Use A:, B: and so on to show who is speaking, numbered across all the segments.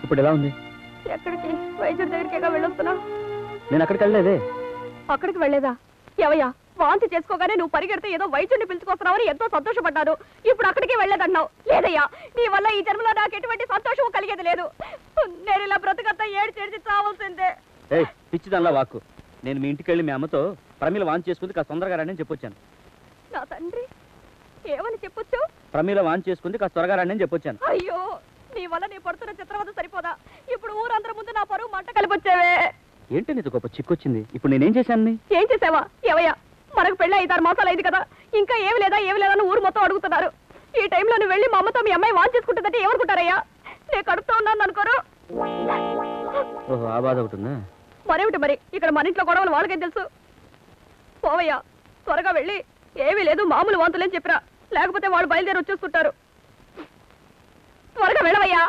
A: ఇప్పుడు ఎలా ఉంది?
B: ఎక్కడికి? వైద్యుడి దగ్గరికేగా వెళ్ళొస్తున్నా.
A: నేను అక్కడికి వెళ్ళలేదే.
B: అక్కడికి వెళ్ళలేదా? ఎవయ్యా, వాంతి చేసుకోగానే నువ్వు పరిగెడితే ఏదో వైద్యుడిని పిలుచుకొస్తున్నావని ఎంతో సంతోషపడ్డాను. ఇప్పుడు అక్కడికి వెళ్ళలేదన్నావు. లేదయ్యా, నీ వల్ల ఈ జన్మలో నాకు ఎటువంటి సంతోషం కలిగేది లేదు. నేను ఇలా బ్రతకంతా ఏడ్చి చావాల్సిందే.
A: పిచ్చిదల్లా వాక్కు. నేను మీ ఇంటికి వెళ్ళి మీ అమ్మతో ప్రమీల వాంతి చేసుకుంది కాస్త తొందరగా రండి అని చెప్పొచ్చాను.
B: నా తండ్రి, ఏమని చెప్పొచ్చు?
A: ప్రమీల వాంతి చేసుకుంది కాస్త త్వరగా రండి అని చెప్పొచ్చాను.
B: అయ్యో, నీ వల్ల నీ పడుతున్న చిత్రవద సరిపోదా? ఇప్పుడు ఊరందరి ముందు నా పరువు మంట కలిపొచ్చావే.
A: ఏంటి నీకు గొప్ప చిక్కొచ్చింది? ఇప్పుడు నేనేం చేశాను?
B: ఏం చేసావా? ఎవయ్యా, మనకు పెళ్ళి 5-6 మాసాలు అయింది కదా, ఇంకా ఏమి లేదా అని ఊరు మొత్తం అడుగుతున్నారు. ఈ టైంలో నువ్వు వెళ్ళి మా అమ్మతో మీ అమ్మాయి వాన్ చేసుకుంటుందంటే ఏమనుకుంటారయ్యా? నేను కడుపుతో ఉన్నాను అనుకోరు.
A: ఓహో, ఆ బాధ ఒకటిందా?
B: మరేమిటి మరి, ఇక్కడ మన ఇంట్లో గొడవలు వాళ్ళకేం తెలుసు? పోవయ్యా, త్వరగా వెళ్ళి ఏమీ లేదు మామూలు వాంతులేని చెప్పిరా, లేకపోతే వాళ్ళు బయలుదేరి వచ్చేసుకుంటారు. త్వరగా వెళ్ళవయ్యా.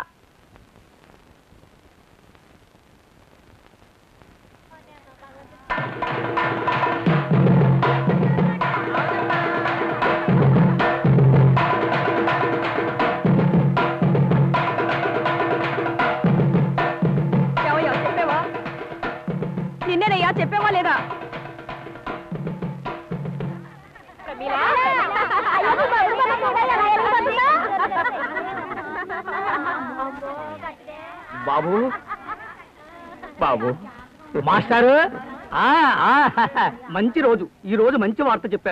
B: చెప్పేవా? నిన్నేనయ్యా, చెప్పేవా లేదా?
C: బాబు బాబు మాస్టారు, మంచి రోజు. ఈ రోజు మంచి వార్త చెప్పారు.